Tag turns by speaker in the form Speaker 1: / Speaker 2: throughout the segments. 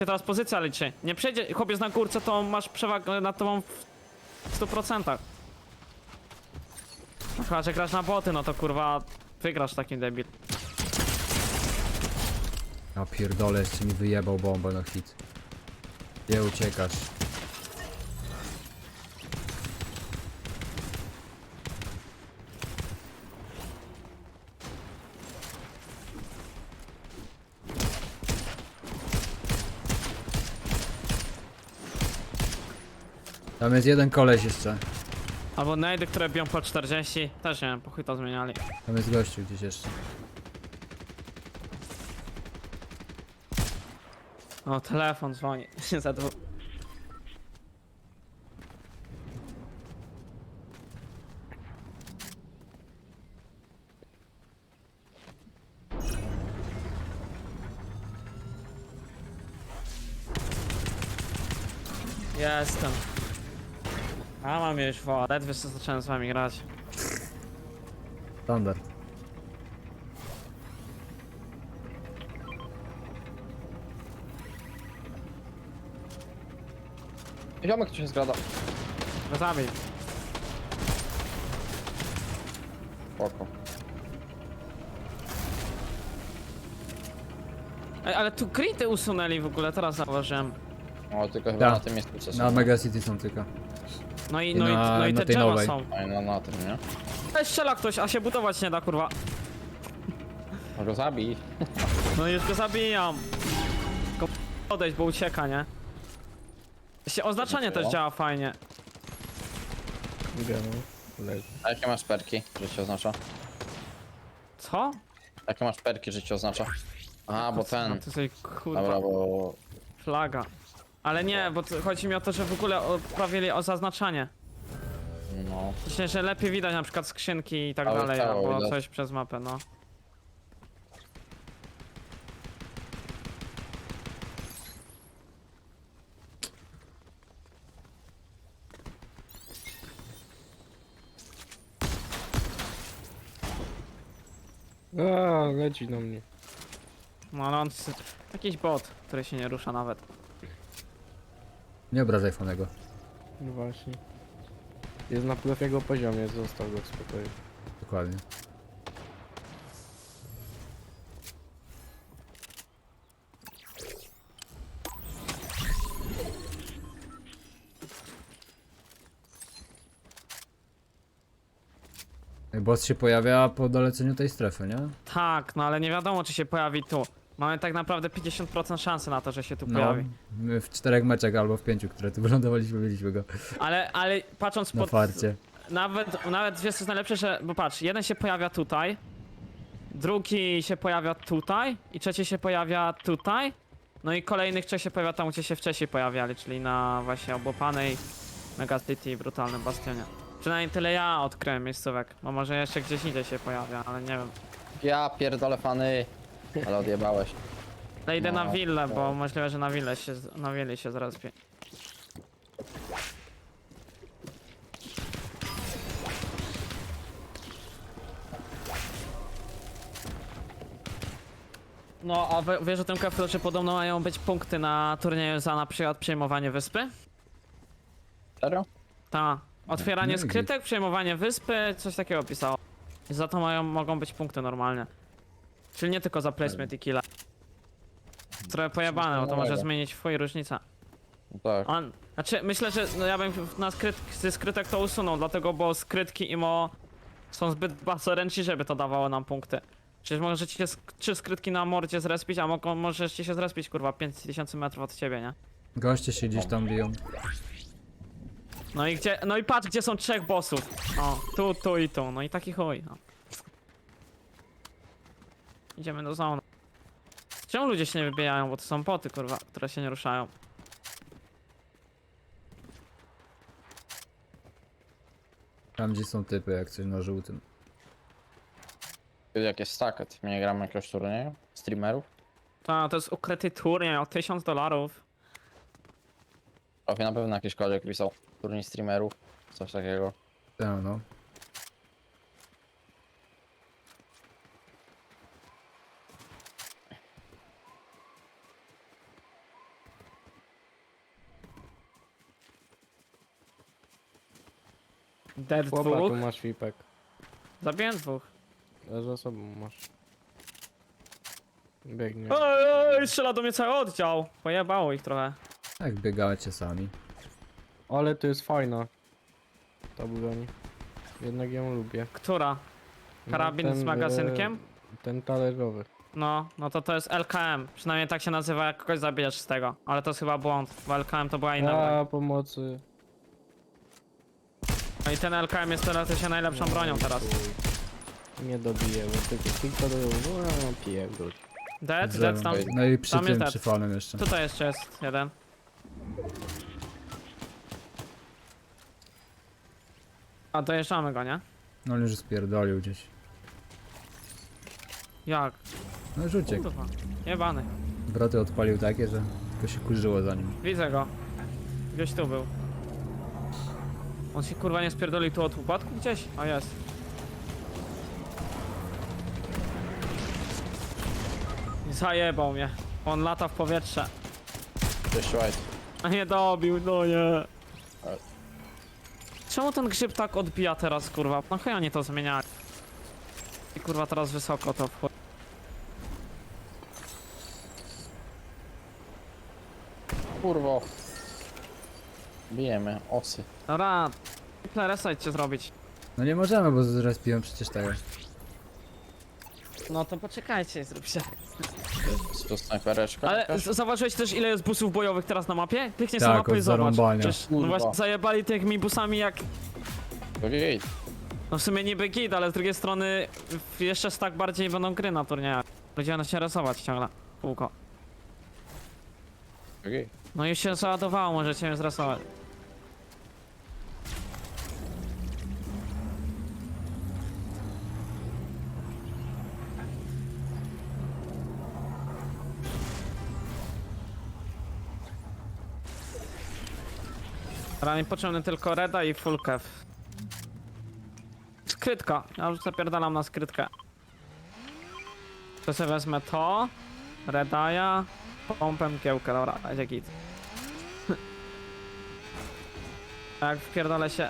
Speaker 1: teraz pozycja liczy. Nie przejdzie, chłopiec na górce, to masz przewagę nad tobą w 100%. No chyba, że grasz na boty, no to kurwa wygrasz takim debil.
Speaker 2: Ja pierdolę, jeszcze mi wyjebał bombę na hit. Gdzie uciekasz? Tam jest jeden koleś jeszcze.
Speaker 1: Albo najdy, które biją po 40, też nie wiem, po chuj to zmieniali.
Speaker 2: Tam jest gościu gdzieś jeszcze.
Speaker 1: O, telefon dzwoni. Za dwóch. Jestem. A mam już wodę, ledwie co zacząłem z wami grać.
Speaker 2: Standard.
Speaker 3: Ziomek tu się zgrada.
Speaker 1: Go zabij.
Speaker 3: Spoko.
Speaker 1: Ej, ale tu grity usunęli w ogóle, teraz zauważyłem.
Speaker 3: O, tylko chyba
Speaker 2: Tak.
Speaker 3: na tym miejscu co
Speaker 2: Na
Speaker 3: są.
Speaker 2: Mega City są tylko.
Speaker 1: No i,
Speaker 2: I
Speaker 1: no i,
Speaker 2: na-
Speaker 1: no i
Speaker 2: na
Speaker 1: te
Speaker 2: tej
Speaker 1: drzewa
Speaker 2: nowej.
Speaker 1: są.
Speaker 3: Oj, no na tym, nie?
Speaker 1: Ej, strzela ktoś, a się budować nie da, kurwa.
Speaker 3: Może go zabij.
Speaker 1: No już go zabijam. Tylko odejść, bo ucieka, nie? Się oznaczanie też działa fajnie.
Speaker 3: A jakie masz perki, że ci oznacza?
Speaker 1: Co?
Speaker 3: Jakie masz perki, że ci oznacza? Aha, bo
Speaker 1: No
Speaker 3: ten.
Speaker 1: to sobie kurwa
Speaker 3: Dobra, bo...
Speaker 1: flaga. Ale nie, bo chodzi mi o to, że w ogóle poprawili o zaznaczanie.
Speaker 3: No...
Speaker 1: Myślę, że lepiej widać na przykład skrzynki i tak
Speaker 3: Ale
Speaker 1: dalej,
Speaker 3: ciało
Speaker 1: albo
Speaker 3: widać.
Speaker 1: coś przez mapę, no.
Speaker 4: A, leci na mnie.
Speaker 1: No ale on jakiś bot, który się nie rusza nawet.
Speaker 2: Nie obrażaj Fonego.
Speaker 4: No właśnie. Jest na jego poziomie, został go w spokoju.
Speaker 2: Dokładnie. Boss się pojawia po doleceniu tej strefy, nie?
Speaker 1: Tak, no ale nie wiadomo, czy się pojawi tu. Mamy tak naprawdę 50% szansy na to, że się tu
Speaker 2: No,
Speaker 1: pojawi.
Speaker 2: my w 4 meczach albo w 5, które tu wylądowaliśmy, mieliśmy go
Speaker 1: Ale patrząc
Speaker 2: na
Speaker 1: pod...
Speaker 2: farcie.
Speaker 1: Nawet wiesz co jest najlepsze, że... Bo patrz, jeden się pojawia tutaj, drugi się pojawia tutaj i trzeci się pojawia tutaj. No i kolejnych trzech się pojawia tam, gdzie się wcześniej pojawiali, czyli na właśnie obłopanej Mega City i Brutalnym Bastionie. Przynajmniej tyle ja odkryłem miejscówek, bo może jeszcze gdzieś indziej się pojawia, ale nie wiem.
Speaker 3: Ja pierdolę fany. Ale odjebałeś.
Speaker 1: Ale idę na
Speaker 3: No,
Speaker 1: willę, bo
Speaker 3: tak.
Speaker 1: możliwe, że na willi się zaraz pie... No, a wiesz o tym, Keflu, że podobno mają być punkty na turnieju za na przykład przejmowanie wyspy?
Speaker 3: Serio?
Speaker 1: Ta. Otwieranie
Speaker 2: No i
Speaker 1: skrytek, przejmowanie wyspy, coś takiego pisało. I za to mogą być punkty normalnie. Czyli nie tylko za placement i killa. Trochę pojebane, bo to może
Speaker 3: nowego.
Speaker 1: zmienić twój różnica.
Speaker 3: No tak.
Speaker 1: Znaczy, myślę, że no ja bym na ze skrytek to usunął, dlatego, bo skrytki IMO są zbyt bardzo ręczne, żeby to dawało nam punkty. Przecież możecie się 3 skrytki na mordzie zrespić, a możecie się zrespić, kurwa, 5000 metrów od ciebie, nie?
Speaker 2: Goście się gdzieś tam biją.
Speaker 1: No i patrz, gdzie są 3 bossów. O, tu i tu, no i taki chuj, no. Idziemy do zony. Czemu ludzie się nie wybijają, bo to są boty, kurwa, które się nie ruszają.
Speaker 2: Tam gdzie są typy, jak coś na żółtym.
Speaker 3: Jak jest stacket, my nie gramy jakiegoś turnieju? Streamerów?
Speaker 1: To jest ukryty turniej o $1000.
Speaker 3: Profi na pewno jakiś koleś pisał. Turniej streamerów. Coś takiego.
Speaker 2: Tak, no.
Speaker 1: Dead
Speaker 4: Chłopa tu
Speaker 1: dwóch.
Speaker 4: masz Fipek.
Speaker 1: Zabiłem dwóch.
Speaker 4: A za sobą masz. Biegnie.
Speaker 1: Oj, strzela do mnie cały oddział. Pojebało ich trochę.
Speaker 2: Jak biegacie sami.
Speaker 4: Ale to jest fajna. Ta broń. Jednak ją lubię.
Speaker 1: Która? Karabin z magazynkiem?
Speaker 4: Ten talerzowy.
Speaker 1: No to jest LKM. Przynajmniej tak się nazywa, jak kogoś zabijesz z tego. Ale to jest chyba błąd, bo LKM to była inna broń.
Speaker 4: A pomocy.
Speaker 1: No i ten LKM jest teoretycznie najlepszą bronią teraz.
Speaker 4: Nie dobiję, bo tylko do... No, pierdol.
Speaker 1: Dead tam.
Speaker 2: No i przy
Speaker 1: tam jest
Speaker 2: tym,
Speaker 1: dead.
Speaker 2: przy falem jeszcze.
Speaker 1: Tutaj jeszcze jest jeden. A dojeżdżamy go, nie?
Speaker 2: No on już spierdolił gdzieś.
Speaker 1: Jak?
Speaker 2: No już uciekł.
Speaker 1: Kurwa. Jebany.
Speaker 2: Wroty odpalił takie, że tylko się kurzyło za nim.
Speaker 1: Widzę go. Gdzieś tu był. On się kurwa nie spierdolił tu od upadku gdzieś? O jest. Zajebał mnie. On lata w powietrze.
Speaker 3: Cześć, White.
Speaker 1: A nie dobił, no nie.
Speaker 3: Ale-
Speaker 1: Czemu ten grzyb tak odbija teraz, kurwa? No chyba nie to zmieniali. I kurwa teraz wysoko to wchodzi.
Speaker 3: Kurwo. Bijemy, osy.
Speaker 1: Dobra, reset cię zrobić.
Speaker 2: No nie możemy, bo zrespiłem przecież tego.
Speaker 1: No to poczekajcie, zróbcie.
Speaker 3: Jest tu snajpereczka.
Speaker 1: Ale
Speaker 3: jakaś?
Speaker 1: zauważyłeś też ile jest busów bojowych teraz na mapie? Kliknij
Speaker 2: Tak,
Speaker 1: sobie mapę i
Speaker 2: od
Speaker 1: zobacz.
Speaker 2: zarąbania.
Speaker 1: Przecież, no
Speaker 3: Kurwa.
Speaker 1: właśnie zajebali tymi busami jak...
Speaker 3: Ojej.
Speaker 1: No w sumie niby git, ale z drugiej strony jeszcze tak bardziej będą gry na turniejach. Ludzie będą się rysować ciągle. Kółko.
Speaker 3: Ojej.
Speaker 1: No już się załadowało, możecie mnie zrasować. Teraz mi potrzebny tylko Reda i full kev. Skrytka. Ja już zapierdalam na skrytkę. To sobie wezmę to. Redaja. Pompę mgiełkę, dobra, będzie git. A jak wpierdolę się...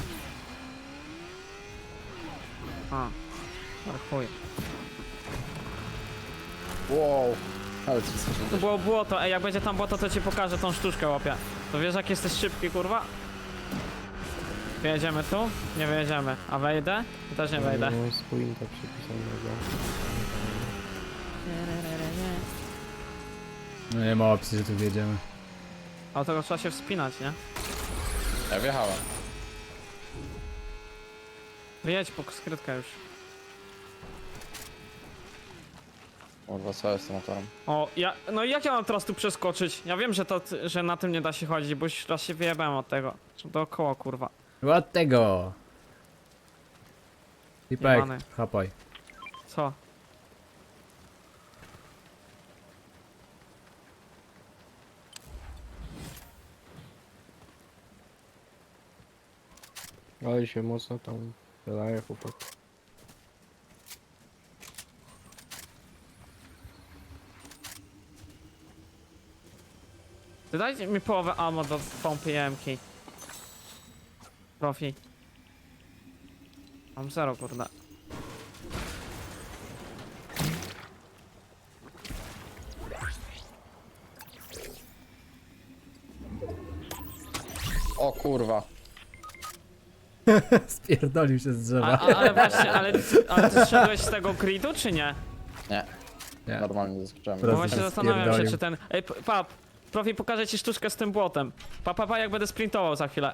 Speaker 1: A. Ale chuj.
Speaker 3: Wow. Ale ty jesteś...
Speaker 1: To było błoto, ej, jak będzie tam błoto, to ci pokażę tą sztuczkę, łapie. To wiesz, jak jesteś szybki, kurwa? Wyjedziemy tu? Nie wyjedziemy. A wejdę? Też nie wejdę.
Speaker 4: Mam spójnika przypisanego.
Speaker 2: No nie ma opcji, że tu wjedziemy.
Speaker 1: Ale tego trzeba się wspinać, nie?
Speaker 3: Ja wjechałem.
Speaker 1: Wyjedź po skrytkę już.
Speaker 3: Kurwa, co jest z tym motorem?
Speaker 1: O, no i jak ja mam teraz tu przeskoczyć? Ja wiem, że na tym nie da się chodzić, bo już raz się wyjebałem od tego. Dookoła, kurwa.
Speaker 2: Od tego! Pipek,
Speaker 1: Jebany.
Speaker 2: chapaj.
Speaker 1: Co?
Speaker 4: Ale się mocno tam wydaje chłopak.
Speaker 1: Ty dajcie mi połowę ammo do pompy jemki. Profi. Mam zero, kurde.
Speaker 3: O kurwa.
Speaker 2: Spierdolił się z drzewa.
Speaker 1: Ale właśnie, ale ty zszedłeś z tego gridu, czy nie?
Speaker 3: Nie,
Speaker 2: Nie.
Speaker 3: normalnie zaskoczyłem.
Speaker 1: Bo
Speaker 2: Teraz
Speaker 1: właśnie
Speaker 2: się
Speaker 1: zastanawiam się,
Speaker 2: spierdolił.
Speaker 1: czy ten... Ej, pap, Profi, pokażę ci sztuczkę z tym błotem. Pa, jak będę sprintował za chwilę.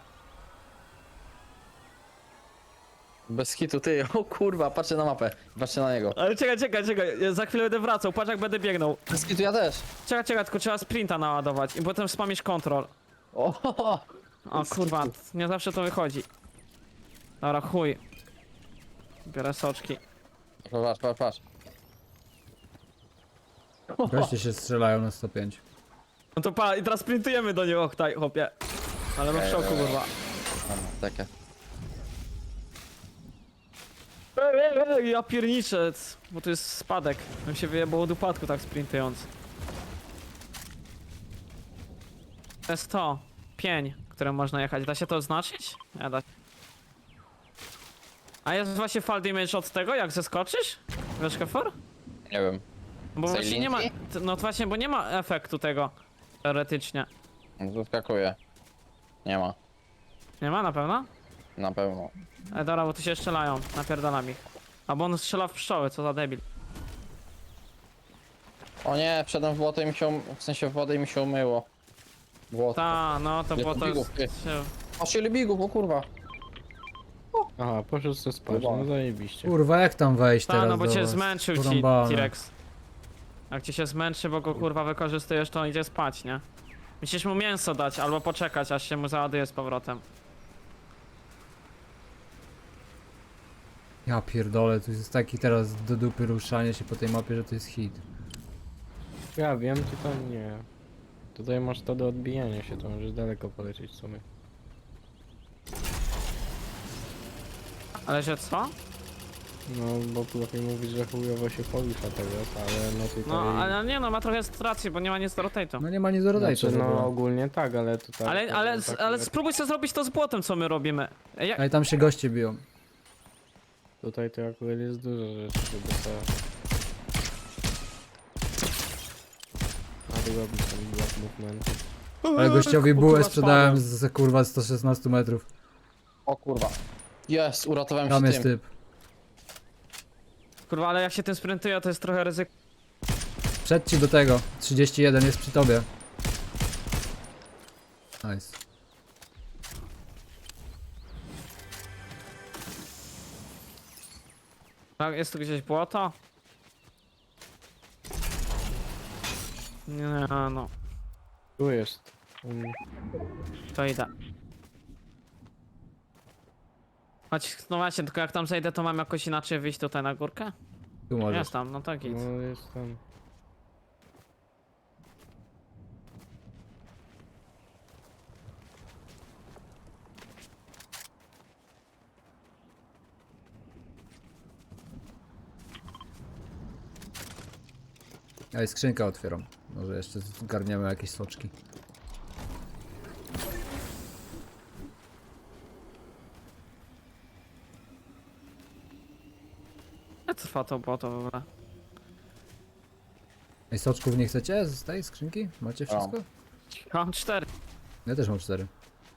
Speaker 3: Bez hitu, ty. O kurwa, patrzcie na mapę. Patrzcie na niego.
Speaker 1: Ale czekaj, ja za chwilę będę wracał, patrz jak będę biegnął.
Speaker 3: Bez hitu ja też.
Speaker 1: Czekaj, tylko trzeba sprinta naładować i potem spamisz kontrol.
Speaker 3: O,
Speaker 1: O kurwa, nie zawsze to wychodzi. Dobra, chuj. Biorę soczki.
Speaker 3: patrz.
Speaker 2: Goście się strzelają na 105.
Speaker 1: No to pa, i teraz sprintujemy do niego, taj, chłopie. Ale mam w szoku, kurwa.
Speaker 3: Takie.
Speaker 1: Ej, ja pierniczę, bo to jest spadek. Bym się wyjebał od upadku tak sprintując. To jest to. Pień, którym można jechać. Da się to oznaczyć? Nie da. A jest właśnie fall damage od tego, jak zeskoczysz? Wiesz, Kefor?
Speaker 3: Nie wiem.
Speaker 1: Bo
Speaker 3: Tej
Speaker 1: właśnie nie ma...
Speaker 3: linki?
Speaker 1: No to właśnie, bo nie ma efektu tego. Teoretycznie.
Speaker 3: Zaskakuje. Nie ma.
Speaker 1: Nie ma na pewno?
Speaker 3: Na pewno.
Speaker 1: Dobra, bo tu się strzelają. Napierdalam ich. Albo on strzela w pszczoły, co za debil.
Speaker 3: O nie, wszedłem w błoto i mi się w sensie w wodę i mi się umyło. Błoto.
Speaker 1: Ta, no to
Speaker 3: Ile
Speaker 1: było to już...
Speaker 3: bigów, ty? Aż ile bigów, o kurwa.
Speaker 4: Aha, poszedł sobie spać,
Speaker 3: Chyba.
Speaker 4: no zajebiście.
Speaker 2: Kurwa, jak tam wejść
Speaker 1: Ta,
Speaker 2: teraz
Speaker 1: no bo
Speaker 2: do
Speaker 1: cię
Speaker 2: was?
Speaker 1: zmęczył ci
Speaker 2: Porąbane.
Speaker 1: T-Rex. Jak ci się zmęczy, bo go kurwa wykorzystujesz, to on idzie spać, nie? Musisz mu mięso dać, albo poczekać, aż się mu załaduje z powrotem.
Speaker 2: Ja pierdolę, tu jest taki teraz do dupy ruszanie się po tej mapie, że to jest hit.
Speaker 4: Ja wiem, tutaj nie. Tutaj masz to do odbijania się, to możesz daleko polecieć w sumie.
Speaker 1: Ale że co?
Speaker 4: No, bo lepiej mówić, że chujowo się porusza teraz, ale no tutaj...
Speaker 1: No, ale nie no, ma trochę racji, bo nie ma nic do rotate'u.
Speaker 2: No nie ma nic do rotate'u
Speaker 4: Znaczy,
Speaker 2: w
Speaker 4: no
Speaker 2: ogóle.
Speaker 4: ogólnie tak, ale tutaj...
Speaker 1: Ale spróbuj sobie zrobić to z błotem, co my robimy. Ja,
Speaker 2: Ale tam się goście biją.
Speaker 4: Tutaj to akurat jest dużo rzeczy, żeby to... A tu robić ten block movement.
Speaker 2: Ale gościowi
Speaker 1: O,
Speaker 2: bułę
Speaker 1: kurwa,
Speaker 2: sprzedałem
Speaker 1: spadłem.
Speaker 2: z kurwa 116 metrów.
Speaker 3: O kurwa. Jest, uratowałem
Speaker 2: Tam
Speaker 3: się
Speaker 2: jest
Speaker 3: tym.
Speaker 2: typ.
Speaker 1: Kurwa, ale jak się tym sprintuje, to jest trochę ryzyko.
Speaker 2: Przed ci do tego. 31 jest przy tobie. Nice.
Speaker 1: Tak, jest tu gdzieś błoto? Nie, no,
Speaker 4: Tu jest.
Speaker 1: to idę. Chodź, no właśnie, tylko jak tam zejdę, to mam jakoś inaczej wyjść tutaj na górkę?
Speaker 2: Tu możesz.
Speaker 1: Jest tam, no to git.
Speaker 4: No jest tam.
Speaker 2: Ja i skrzynkę otwieram. Może jeszcze zgarniemy jakieś soczki.
Speaker 1: Jak trwa to błoto w ogóle?
Speaker 2: Ej, soczków nie chcecie z tej skrzynki? Macie wszystko?
Speaker 1: Mam 4.
Speaker 2: Ja też mam 4.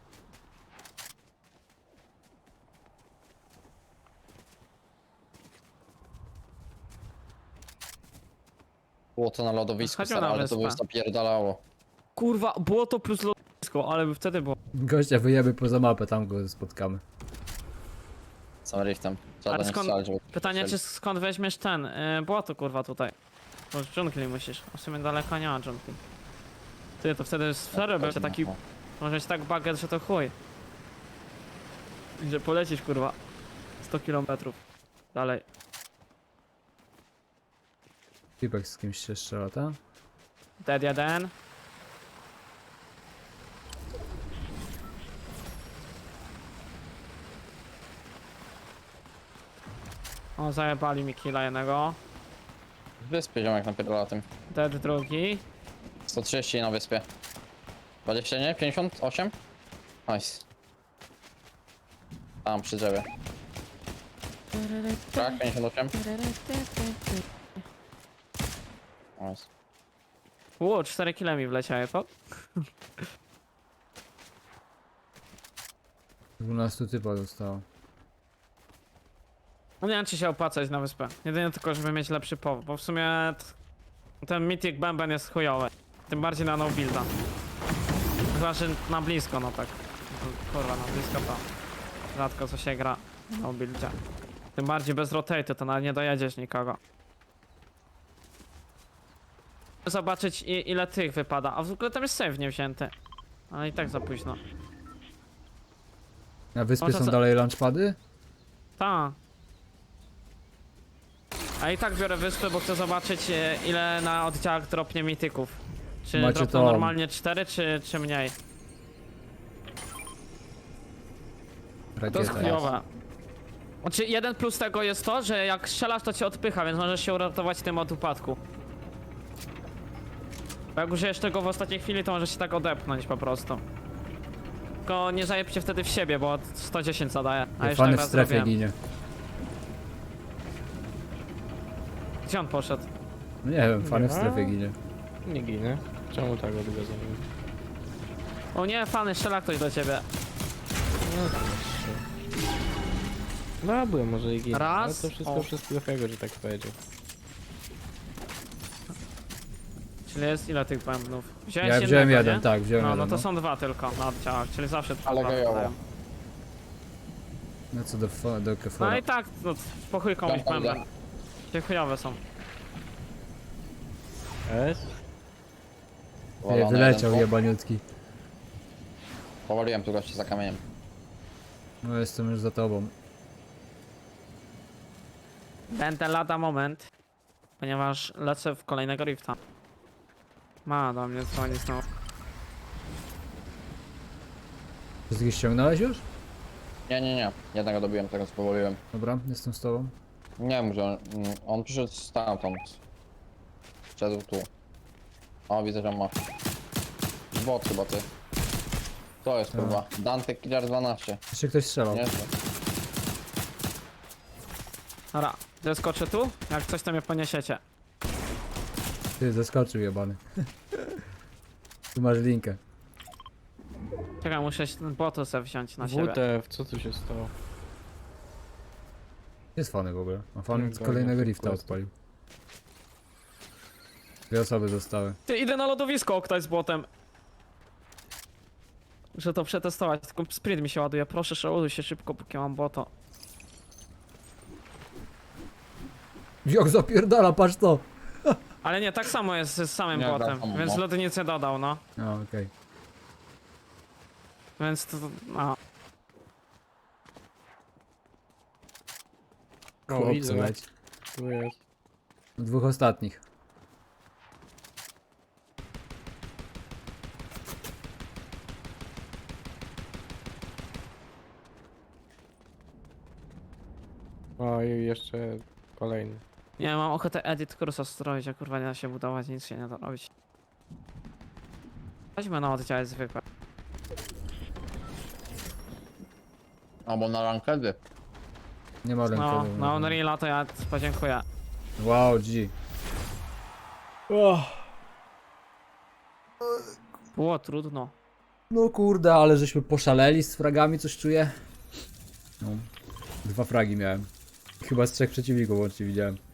Speaker 3: Błoto na lodowisku,
Speaker 1: Chodźmy
Speaker 3: stary,
Speaker 1: na
Speaker 3: ale to by
Speaker 1: wyspę.
Speaker 3: zapierdalało.
Speaker 1: Kurwa, błoto plus lotnisko, ale by wtedy było.
Speaker 2: Gościa wyjemy poza mapę, tam go spotkamy.
Speaker 3: Sam riftem. Trzeba
Speaker 1: Ale
Speaker 3: do nich
Speaker 1: skąd-
Speaker 3: strzelać, żeby...
Speaker 1: Pytanie, czy
Speaker 3: strzelić.
Speaker 1: skąd weźmiesz ten błoto, kurwa, tutaj? Bo z dżungli musisz. A w sumie daleko nie ma dżungli. Ty, to wtedy serio będzie taki... Może być tak baget, że to chuj. Że polecisz, kurwa. 100 km dalej.
Speaker 2: Typek z kimś się strzela, tak?
Speaker 1: Dead 1. O, zajebali mi killa jednego.
Speaker 3: Wyspie ziomek napierdala tym.
Speaker 1: Dead drugi.
Speaker 3: 130 na wyspie. 20 nie? 58? Nice. Tam przy drzewie. Tak, 58. Nice.
Speaker 1: Ło, 4 killa mi wleciały, to?
Speaker 2: 12 typa zostało.
Speaker 1: No nie wiem, czy się opłacać na wyspę. Jedynie tylko, żeby mieć lepszy powód, bo w sumie ten Mythic Bęben jest chujowy. Tym bardziej na no builda. Chyba, że na blisko, no tak. Kurwa, na blisko to rzadko co się gra na no buildzie. Tym bardziej bez rotate'u, to nawet nie dojedziesz nikogo. Zobaczyć ile tych wypada, a w ogóle tam jest save nie wzięty. Ale i tak za późno.
Speaker 2: Na wyspie
Speaker 1: Można
Speaker 2: są
Speaker 1: za-
Speaker 2: dalej launchpady?
Speaker 1: Ta. A i tak biorę wyspę, bo chcę zobaczyć ile na oddziałach dropnie mityków. Czy
Speaker 2: Macie
Speaker 1: dropną
Speaker 2: to-
Speaker 1: normalnie 4 czy mniej? To jest
Speaker 2: Rakieta.
Speaker 1: chujowe. Znaczy jeden plus tego jest to, że jak strzelasz to cię odpycha, więc możesz się uratować tym od upadku. Bo jak użyjesz tego w ostatniej chwili, to możesz się tak odepchnąć po prostu. Tylko nie zajeb się wtedy w siebie, bo 110 zadaje. A już
Speaker 2: Fany
Speaker 1: tak
Speaker 2: w
Speaker 1: raz
Speaker 2: strefie
Speaker 1: zrobiłem.
Speaker 2: ginie.
Speaker 1: Gdzie on poszedł?
Speaker 2: No nie wiem, fany w
Speaker 4: Nie.
Speaker 2: strefie ginie.
Speaker 4: Nie ginę. Czemu tak odbiega za nim?
Speaker 1: O nie, fany, strzela ktoś do ciebie.
Speaker 4: No to jeszcze. No byłem może i ginę.
Speaker 1: Raz.
Speaker 4: Ale to wszystko
Speaker 1: O.
Speaker 4: przez Klefego, że tak powiedział.
Speaker 1: Czyli jest ile tych bębnów? Wziąłeś
Speaker 2: Ja wziąłem
Speaker 1: jednego,
Speaker 2: jeden,
Speaker 1: nie?
Speaker 2: tak, wziąłem
Speaker 1: No,
Speaker 2: jeden.
Speaker 1: no to są dwa tylko na oddziałach, czyli zawsze
Speaker 3: Ale
Speaker 1: dwa
Speaker 3: gejowo.
Speaker 1: wpadają.
Speaker 2: No co do
Speaker 1: No
Speaker 2: Kefora.
Speaker 1: i tak, no, po chuj komuś
Speaker 3: Tam, tam,
Speaker 1: bęben. Gdzie chujowe są.
Speaker 4: S?
Speaker 2: Nie,
Speaker 3: Powalony
Speaker 2: wyleciał
Speaker 3: jeden.
Speaker 2: jebaniutki.
Speaker 3: Powaliłem tu gościa za kamieniem.
Speaker 2: No jestem już za tobą.
Speaker 1: Będę lada moment, ponieważ lecę w kolejnego rifta. Ma do mnie dzwoni znowu.
Speaker 2: Wszystkich ściągnąłeś już?
Speaker 3: Nie. Jednego dobiłem, tego spowoliłem.
Speaker 2: Dobra, jestem z tobą.
Speaker 3: Nie wiem, że on przyszedł stamtąd. Szedł tu. O, widzę, że on ma. Bot chyba ty. To jest kurwa. Dante Killer 12.
Speaker 2: Jeszcze ktoś strzelał.
Speaker 3: Nie?
Speaker 1: Dobra, zeskoczę tu? Jak coś to mnie poniesiecie.
Speaker 2: Ty, zaskoczył jebany. Tu masz linkę.
Speaker 1: Czekaj, muszę się ten botu sobie wziąć na siebie.
Speaker 4: WTF, co tu się stało?
Speaker 2: Jest fany w ogóle. A fan
Speaker 4: Nie,
Speaker 2: z kolejnego
Speaker 4: tak,
Speaker 2: rifta
Speaker 4: tak.
Speaker 2: odpalił. Dwie osoby zostały.
Speaker 1: Ty, idę na lodowisko ktoś z botem. Muszę to przetestować, tylko sprint mi się ładuje. Proszę, przeładuj się szybko, póki mam boto.
Speaker 2: Jak zapierdala, patrz to!
Speaker 1: Ale nie, tak samo jest z samym
Speaker 3: Nie,
Speaker 1: botem,
Speaker 3: tak samo,
Speaker 1: więc
Speaker 3: no.
Speaker 1: lody nic nie dodał, no.
Speaker 2: A, okej.
Speaker 1: Więc to, no.
Speaker 4: O,
Speaker 2: Chłopcy
Speaker 4: widzę.
Speaker 2: leci.
Speaker 4: Tu jest.
Speaker 2: Dwóch ostatnich.
Speaker 4: O, i jeszcze kolejny.
Speaker 1: Nie, mam ochotę edit kursa stroić, a kurwa nie da się budować, nic się nie da robić. Chodźmy na oddziały zwykłe.
Speaker 3: Albo na rankedy.
Speaker 2: Nie ma ręki.
Speaker 1: No, na Unreal'a to ja podziękuję.
Speaker 2: Wow, G.
Speaker 1: Było trudno.
Speaker 2: No kurde, ale żeśmy poszaleli z fragami, coś czuję. No. 2 fragi miałem. Chyba z 3 przeciwników łącznie widziałem.